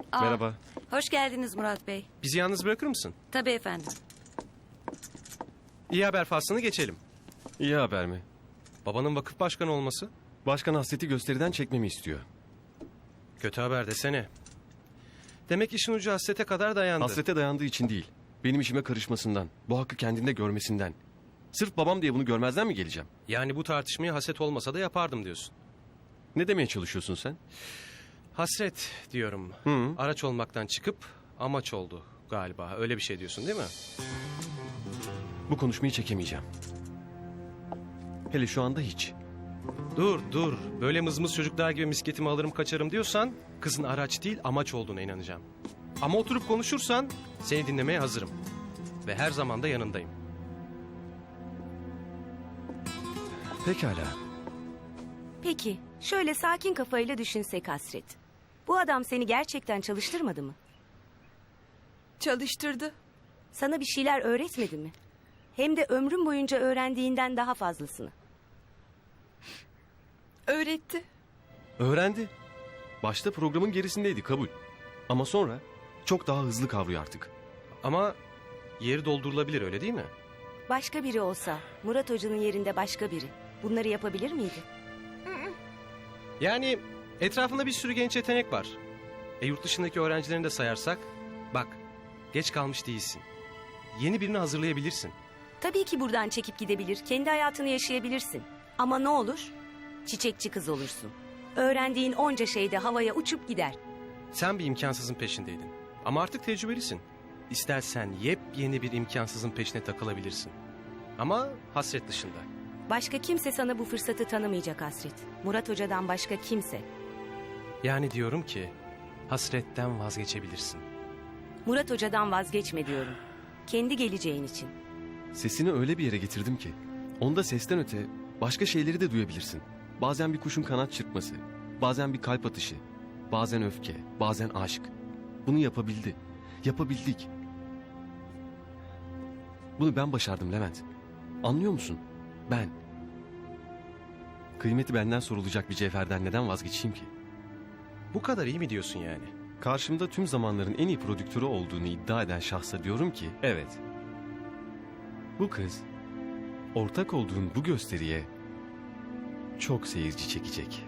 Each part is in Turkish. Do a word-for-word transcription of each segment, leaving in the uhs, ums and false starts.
Aa, Merhaba. Hoş geldiniz Murat Bey. Bizi yalnız bırakır mısın? Tabii efendim. İyi haber faslını geçelim. İyi haber mi? Babanın vakıf başkanı olması. Başkan hasreti gösteriden çekmemi istiyor. Kötü haber desene. Demek işin ucu hasrete kadar dayandı. Hasrete dayandığı için değil. Benim işime karışmasından, bu hakkı kendinde görmesinden. Sırf babam diye bunu görmezden mi geleceğim? Yani bu tartışmayı haset olmasa da yapardım diyorsun. Ne demeye çalışıyorsun sen? Hasret diyorum. Hı. Araç olmaktan çıkıp amaç oldu galiba. Öyle bir şey diyorsun değil mi? Bu konuşmayı çekemeyeceğim. Hele şu anda hiç. Dur dur. Böyle mızmız çocuklar gibi misketimi alırım kaçarım diyorsan kızın araç değil amaç olduğuna inanacağım. Ama oturup konuşursan seni dinlemeye hazırım. Ve her zaman da yanındayım. Pekala. Peki, şöyle sakin kafayla düşünsek Hasret. Bu adam seni gerçekten çalıştırmadı mı? Çalıştırdı. Sana bir şeyler öğretmedi mi? Hem de ömrün boyunca öğrendiğinden daha fazlasını. Öğretti. Öğrendi. Başta programın gerisindeydi, kabul. Ama sonra çok daha hızlı kavruyor artık. Ama yeri doldurulabilir öyle değil mi? Başka biri olsa, Murat Hoca'nın yerinde başka biri. Bunları yapabilir miydi? Yani etrafında bir sürü genç yetenek var. E yurt dışındaki öğrencilerini de sayarsak, bak geç kalmış değilsin. Yeni birini hazırlayabilirsin. Tabii ki buradan çekip gidebilir, kendi hayatını yaşayabilirsin. Ama ne olur? Çiçekçi kız olursun. Öğrendiğin onca şeyde havaya uçup gider. Sen bir imkansızın peşindeydin. Ama artık tecrübelisin. İstersen yepyeni bir imkansızın peşine takılabilirsin. Ama hasret dışında. Başka kimse sana bu fırsatı tanımayacak Hasret. Murat Hoca'dan başka kimse. Yani diyorum ki hasretten vazgeçebilirsin. Murat Hoca'dan vazgeçme diyorum. Kendi geleceğin için. Sesini öyle bir yere getirdim ki, onda sesten öte başka şeyleri de duyabilirsin. Bazen bir kuşun kanat çırpması, bazen bir kalp atışı, bazen öfke, bazen aşk. Bunu yapabildi, yapabildik. Bunu ben başardım Levent. Anlıyor musun? Ben. Kıymeti benden sorulacak bir cevherden neden vazgeçeyim ki? Bu kadar iyi mi diyorsun yani? Karşımda tüm zamanların en iyi prodüktörü olduğunu iddia eden şahsa diyorum ki, evet. Bu kız, ortak olduğun bu gösteriye çok seyirci çekecek.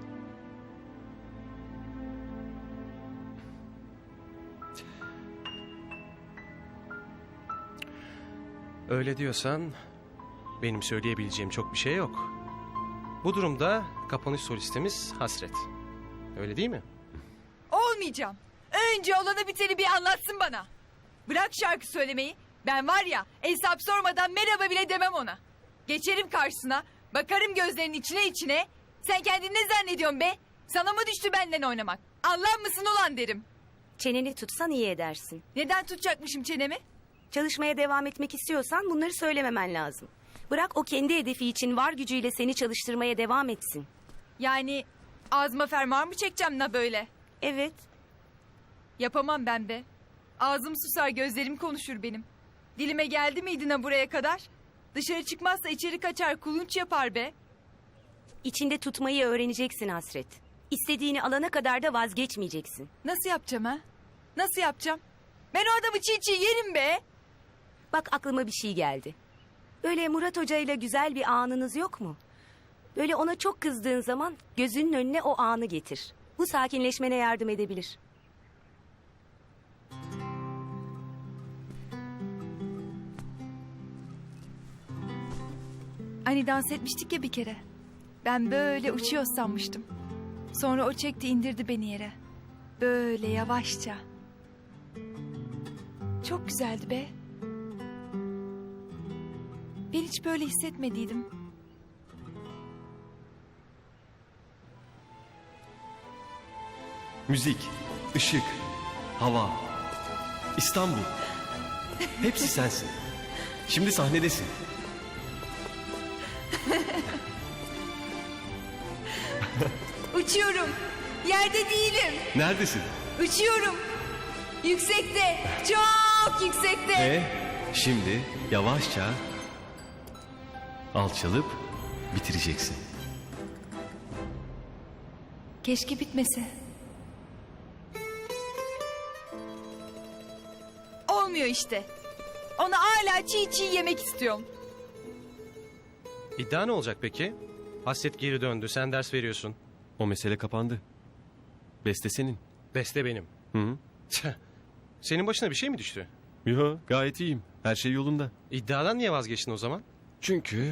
Öyle diyorsan benim söyleyebileceğim çok bir şey yok. Bu durumda kapanış solistimiz Hasret. Öyle değil mi? Olmayacağım. Önce olanı biteni bir anlatsın bana. Bırak şarkı söylemeyi. Ben var ya hesap sormadan merhaba bile demem ona. Geçerim karşısına. Bakarım gözlerinin içine içine. Sen kendini ne zannediyorsun be? Sana mı düştü benden oynamak? Anlar mısın ulan derim. Çeneni tutsan iyi edersin. Neden tutacakmışım çenemi? Çalışmaya devam etmek istiyorsan bunları söylememen lazım. Bırak o kendi hedefi için var gücüyle seni çalıştırmaya devam etsin. Yani ağzıma fermuar mı çekeceğim la böyle? Evet. Yapamam ben be. Ağzım susar, gözlerim konuşur benim. Dilime geldi miydi na buraya kadar? Dışarı çıkmazsa içeri kaçar, kulunç yapar be. İçinde tutmayı öğreneceksin Hasret. İstediğini alana kadar da vazgeçmeyeceksin. Nasıl yapacağım ha? Nasıl yapacağım? Ben o adamı çiğ çiğ yerim be. Bak aklıma bir şey geldi. Böyle Murat Hoca ile güzel bir anınız yok mu? Böyle ona çok kızdığın zaman gözünün önüne o anı getir. Bu sakinleşmene yardım edebilir. Hani dans etmiştik ya bir kere. Ben böyle uçuyor sanmıştım. Sonra o çekti indirdi beni yere. Böyle yavaşça. Çok güzeldi be. Ben hiç böyle hissetmediydim. Müzik, ışık, hava, İstanbul. Hepsi sensin. Şimdi sahnedesin. Uçuyorum. Yerde değilim. Neredesin? Uçuyorum. Yüksekte. Çok yüksekte. E, şimdi yavaşça alçalıp bitireceksin. Keşke bitmese. olmuyor işte. Onu hala çiğ çiğ yemek istiyorum. İddia ne olacak peki? Hasret geri döndü, sen ders veriyorsun. O mesele kapandı. Beste senin. Beste benim. Hı hı. Tüh. Senin başına bir şey mi düştü? Yo, gayet iyiyim. Her şey yolunda. İddiadan niye vazgeçtin o zaman? Çünkü...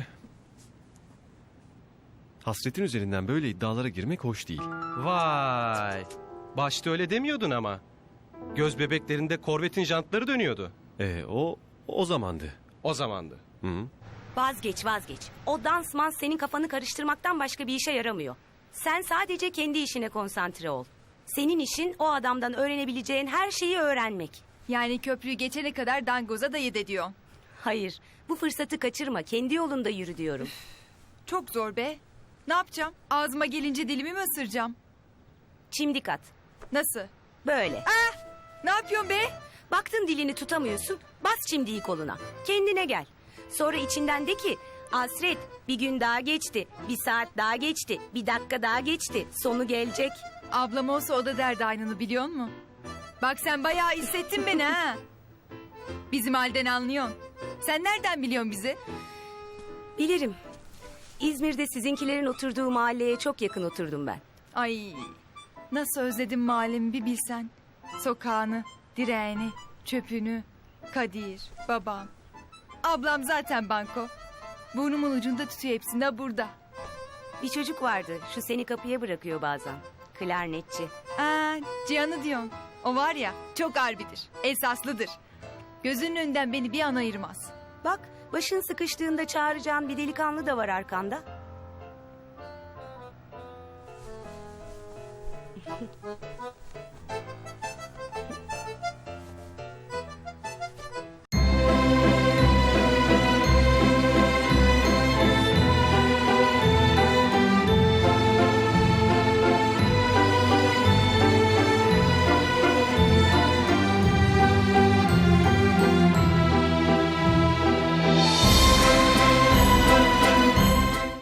Hasretin üzerinden böyle iddialara girmek hoş değil. Vay. Başta öyle demiyordun ama. Göz bebeklerinde korvetin jantları dönüyordu. Ee, o o zamandı. O zamandı. Hı hı. Vazgeç vazgeç. O dansman senin kafanı karıştırmaktan başka bir işe yaramıyor. Sen sadece kendi işine konsantre ol. Senin işin o adamdan öğrenebileceğin her şeyi öğrenmek. Yani köprüyü geçene kadar dangoza dayı de diyor. Hayır, bu fırsatı kaçırma. Kendi yolunda yürü diyorum. Çok zor be. Ne yapacağım? Ağzıma gelince dilimi mi ısıracağım? Çimdik at. Nasıl? Böyle. Ne yapıyorsun be? Baktın dilini tutamıyorsun, bas çimdiği koluna. Kendine gel. Sonra içinden de ki, Hasret bir gün daha geçti, bir saat daha geçti, bir dakika daha geçti, sonu gelecek. Ablam olsa o da derdi aynını biliyor musun? Bak sen bayağı hissettin beni ha. Bizim halden anlıyorsun. Sen nereden biliyorsun bizi? Bilirim. İzmir'de sizinkilerin oturduğu mahalleye çok yakın oturdum ben. Ay nasıl özledim mahallemi bir bilsen. Sokağını, direğini, çöpünü, Kadir, babam. Ablam zaten banko. Burnumun ucunda tutuyor hepsini de burada. Bir çocuk vardı, şu seni kapıya bırakıyor bazen. Klarnetçi. Aa, Cihan'ı diyorsun. O var ya çok harbidir, esaslıdır. Gözünün önünden beni bir an ayırmaz. Bak, başın sıkıştığında çağıracağın bir delikanlı da var arkanda.